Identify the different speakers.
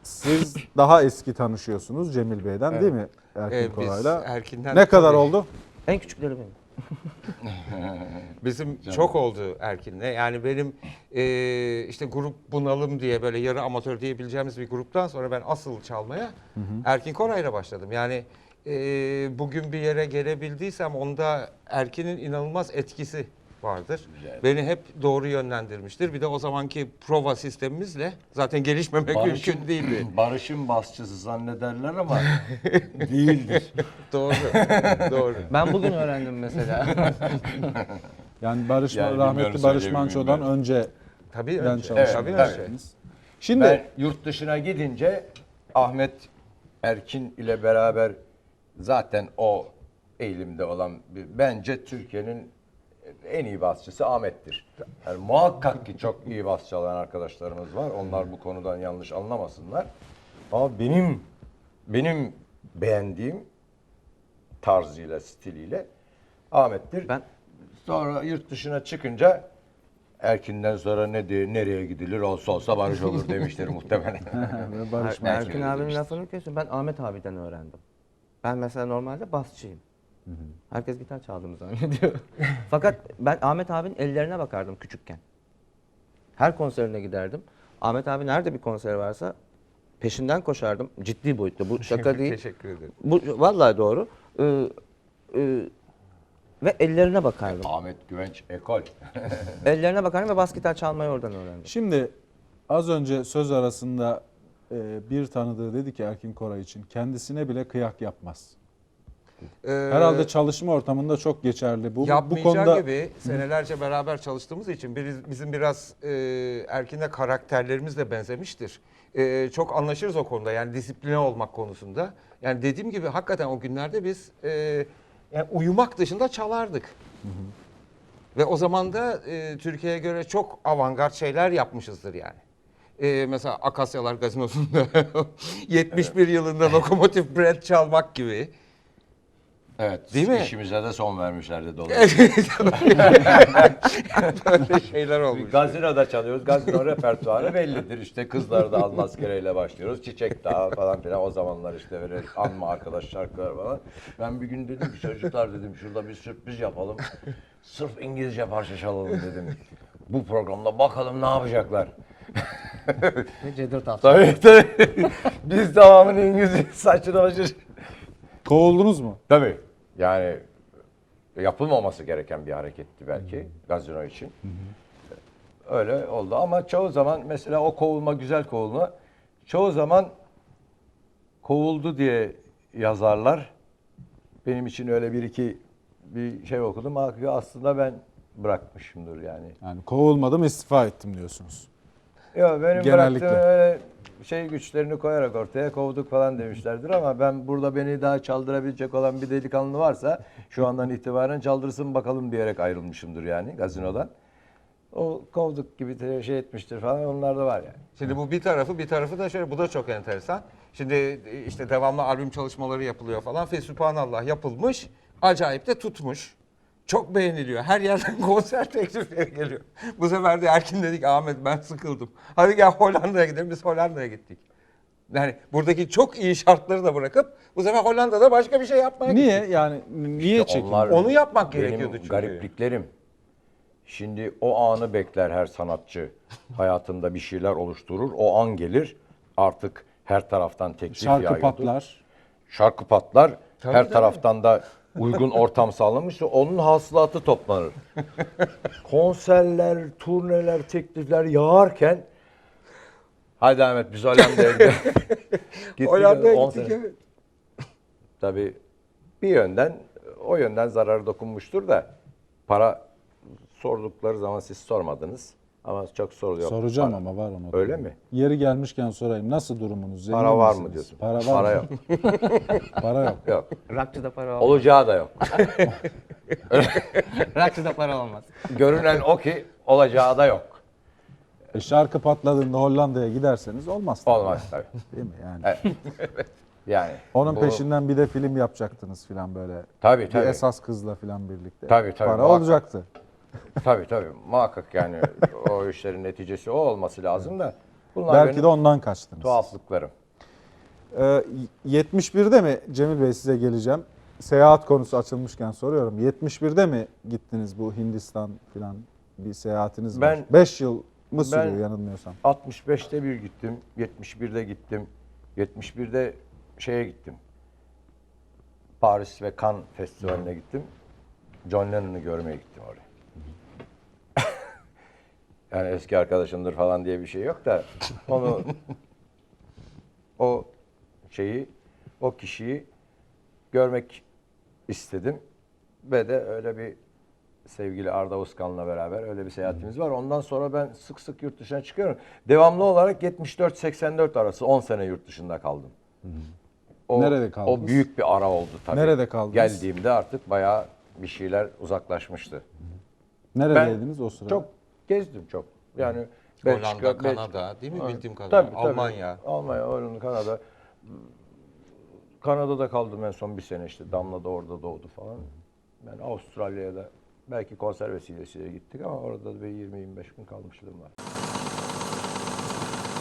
Speaker 1: siz daha eski tanışıyorsunuz Cemil Bey'den değil mi Erkin
Speaker 2: Biz
Speaker 1: Koray'la?
Speaker 2: Erkin'den
Speaker 1: Ne kadar
Speaker 2: tabii-
Speaker 1: oldu?
Speaker 3: En küçükleri benim.
Speaker 2: Bizim çok oldu Erkin'le. Yani benim işte grup bunalım diye böyle yarı amatör diyebileceğimiz bir gruptan sonra ben asıl çalmaya Erkin Koray'la başladım. Yani bugün bir yere gelebildiysem onda Erkin'in inanılmaz etkisi vardır.
Speaker 4: Güzel.
Speaker 2: Beni hep doğru yönlendirmiştir. Bir de o zamanki prova sistemimizle zaten gelişmemek mümkün değildi.
Speaker 4: Barış'ın basçısı zannederler ama değildir.
Speaker 2: Doğru. Doğru.
Speaker 3: Ben bugün öğrendim mesela.
Speaker 1: Yani Barış,
Speaker 4: Yani
Speaker 1: rahmetli
Speaker 4: bilmiyorum,
Speaker 1: Barış
Speaker 4: söyleyebilir
Speaker 1: Manço'dan
Speaker 4: miyim
Speaker 1: önce
Speaker 2: Tabii
Speaker 1: ben
Speaker 2: önce.
Speaker 1: çalıştım.
Speaker 2: Tabii
Speaker 4: Evet,
Speaker 2: önce.
Speaker 1: Şimdi
Speaker 4: Ben yurt dışına gidince Ahmet Erkin ile beraber zaten o eğilimde olan bence Türkiye'nin en iyi basçısı Ahmet'tir. Yani muhakkak ki çok iyi bas çalan arkadaşlarımız var. Onlar bu konudan yanlış anlamasınlar. Ama benim beğendiğim tarzıyla, stiliyle Ahmet'tir.
Speaker 3: Ben
Speaker 4: Sonra yurt dışına çıkınca Erkin'den sonra nereye gidilir olsa Barış olur demiştir muhtemelen.
Speaker 1: Barış Manço.
Speaker 3: Erkin abinin lafını kesiyorum. Ben Ahmet abiden öğrendim. Ben mesela normalde basçıyım. Herkes gitar çaldığımı zannediyor. Fakat ben Ahmet abinin ellerine bakardım küçükken. Her konserine giderdim. Ahmet abi nerede bir konser varsa peşinden koşardım. Ciddi boyutta. Bu şaka değil.
Speaker 2: Teşekkür ederim.
Speaker 3: Bu vallahi doğru. Ve ellerine bakardım.
Speaker 4: Ahmet Güvenç ekol.
Speaker 3: Ellerine bakardım ve bas gitar çalmayı oradan öğrendim.
Speaker 1: Şimdi az önce söz arasında bir tanıdığı dedi ki Erkin Koray için kendisine bile kıyak yapmaz. Herhalde çalışma ortamında çok geçerli. Bu
Speaker 2: Yapmayacağı
Speaker 1: konuda
Speaker 2: gibi senelerce beraber çalıştığımız için bizim biraz Erkin'le karakterlerimiz de benzemiştir. Çok anlaşırız o konuda, yani disipline olmak konusunda. Yani dediğim gibi hakikaten o günlerde biz yani uyumak dışında çalardık. Ve o zaman da Türkiye'ye göre çok avantgard şeyler yapmışızdır yani. Mesela Akasyalar Gazinosu'nda 71 yılında Lokomotif Brand çalmak gibi.
Speaker 4: Evet.
Speaker 2: Değil mi?
Speaker 4: İşimize de son vermişlerdi dolayısıyla.
Speaker 2: Böyle şeyler olmuş.
Speaker 4: Gazinoda çalıyoruz. Gazino repertuarı bellidir. İşte Kızlar da Almazkere'yle başlıyoruz. Çiçek Dağı falan filan. O zamanlar işte böyle anma arkadaş şarkılar falan. Ben bir gün dedim ki çocuklar dedim şurada bir sürpriz yapalım. Sırf İngilizce parça çalalım dedim. Bu programda bakalım ne yapacaklar.
Speaker 3: Ve Cedret Afşar.
Speaker 4: Tabii. Biz tamamını İngilizce saçını başır.
Speaker 1: kovuldunuz mu?
Speaker 4: Tabii. Yani yapılmaması gereken bir hareketti belki gazino için. Öyle oldu ama çoğu zaman mesela o kovulma, güzel kovulma, çoğu zaman kovuldu diye yazarlar. Benim için öyle bir şey okudum. Aslında ben bırakmışımdır yani.
Speaker 1: Yani kovulmadım, istifa ettim diyorsunuz.
Speaker 4: Yok benim
Speaker 1: Genellikle.
Speaker 4: bıraktığım öyle güçlerini koyarak ortaya kovduk falan demişlerdir ama ben burada beni daha çaldırabilecek olan bir delikanlı varsa şu andan itibaren çaldırsın bakalım diyerek ayrılmışımdır yani gazinodan. O kovduk gibi de şey etmiştir falan, onlar da var yani.
Speaker 2: Şimdi bu bir tarafı da şöyle, bu da çok enteresan. Şimdi işte devamlı albüm çalışmaları yapılıyor falan. Fesübhanallah yapılmış. Acayip de tutmuş. Çok beğeniliyor. Her yerden konser teklifleri geliyor. Bu sefer de Erkin dedik, Ahmet ben sıkıldım. Hadi gel Hollanda'ya gidelim. Biz Hollanda'ya gittik. Yani buradaki çok iyi şartları da bırakıp bu sefer Hollanda'da başka bir şey yapmaya
Speaker 1: Niye?
Speaker 2: gittik.
Speaker 1: Yani niye çekin?
Speaker 4: Onlar
Speaker 2: Onu yapmak
Speaker 4: benim
Speaker 2: gerekiyordu çünkü.
Speaker 4: garipliklerim. Şimdi o anı bekler her sanatçı. Hayatında bir şeyler oluşturur. O an gelir. Artık her taraftan teklif
Speaker 1: Şarkı
Speaker 4: yağıyordu.
Speaker 1: patlar.
Speaker 4: Şarkı patlar.
Speaker 2: Tabii,
Speaker 4: Her
Speaker 2: tabii.
Speaker 4: taraftan da uygun ortam sağlanmışsa onun hasılatı toplanır. Konserler, turneler, teklifler yağarken hadi Ahmet biz Hollanda'ya gidelim. Gittik,
Speaker 2: Hollanda'ya
Speaker 4: 10
Speaker 2: gittik,
Speaker 4: sene.
Speaker 2: evet.
Speaker 4: Tabii o yönden zararı dokunmuştur da para sordukları zaman siz sormadınız. Ama çok soruluyor.
Speaker 1: Soracağım
Speaker 4: Para.
Speaker 1: ama var onu.
Speaker 4: Öyle mi?
Speaker 1: Yeri gelmişken sorayım. Nasıl durumunuz? Zengin
Speaker 4: Para var
Speaker 1: misiniz?
Speaker 4: mı diyorsun?
Speaker 1: Para var
Speaker 4: Para
Speaker 1: mı?
Speaker 4: yok.
Speaker 1: Para yok.
Speaker 4: Yok.
Speaker 3: Rockçıda para olmaz.
Speaker 4: Olacağı da yok.
Speaker 3: Rockçıda para olmaz.
Speaker 4: Görünen o ki olacağı da yok.
Speaker 1: Şarkı patladığında Hollanda'ya giderseniz olmaz. tabii.
Speaker 4: Olmaz tabii.
Speaker 1: Değil mi yani?
Speaker 4: Evet. Yani
Speaker 1: Onun
Speaker 4: bu-
Speaker 1: peşinden bir de film yapacaktınız filan böyle.
Speaker 4: Tabii
Speaker 1: Bir
Speaker 4: tabii.
Speaker 1: esas kızla filan birlikte.
Speaker 4: Tabii,
Speaker 1: Para
Speaker 4: muhakkak.
Speaker 1: olacaktı.
Speaker 4: Tabii muhakkak yani o işlerin neticesi o olması lazım da Bunlar
Speaker 1: Belki
Speaker 4: benim
Speaker 1: de ondan kaçtınız.
Speaker 4: tuhaflıklarım.
Speaker 1: 71'de mi Cemil Bey, size geleceğim. Seyahat konusu açılmışken soruyorum. 71'de mi gittiniz, bu Hindistan filan bir seyahatiniz var?
Speaker 4: Ben-
Speaker 1: 5 yıl mı sürüyor
Speaker 4: ben-
Speaker 1: yanılmıyorsam?
Speaker 4: 65'te bir gittim, 71'de gittim, 71'de şeye gittim. Paris ve Cannes Festivali'ne gittim. John Lennon'ı görmeye gittim oraya. Yani eski arkadaşımdır falan diye bir şey yok da onu o o kişiyi görmek istedim ve de öyle bir sevgili Arda Uskan'la beraber öyle bir seyahatimiz var. Ondan sonra ben sık sık yurt dışına çıkıyorum. Devamlı olarak 74-84 arası 10 sene yurt dışında kaldım.
Speaker 1: Nerede kaldınız?
Speaker 4: O büyük bir ara oldu tabii.
Speaker 1: Nerede kaldınız?
Speaker 4: Geldiğimde artık bayağı bir şeyler uzaklaşmıştı.
Speaker 1: Neredeydiniz o sırada?
Speaker 4: Çok gezdim çok. Yani
Speaker 2: Hollanda,
Speaker 4: Belçika,
Speaker 2: Kanada değil mi bildiğim kadarıyla? Almanya.
Speaker 4: Almanya, Hollanda, Kanada. Kanada'da kaldım en son bir sene işte. Damla da orada doğdu falan. Ben Avustralya'ya da belki konser vesilesiyle gittik ama orada da bir 20-25 gün kalmışlığım var.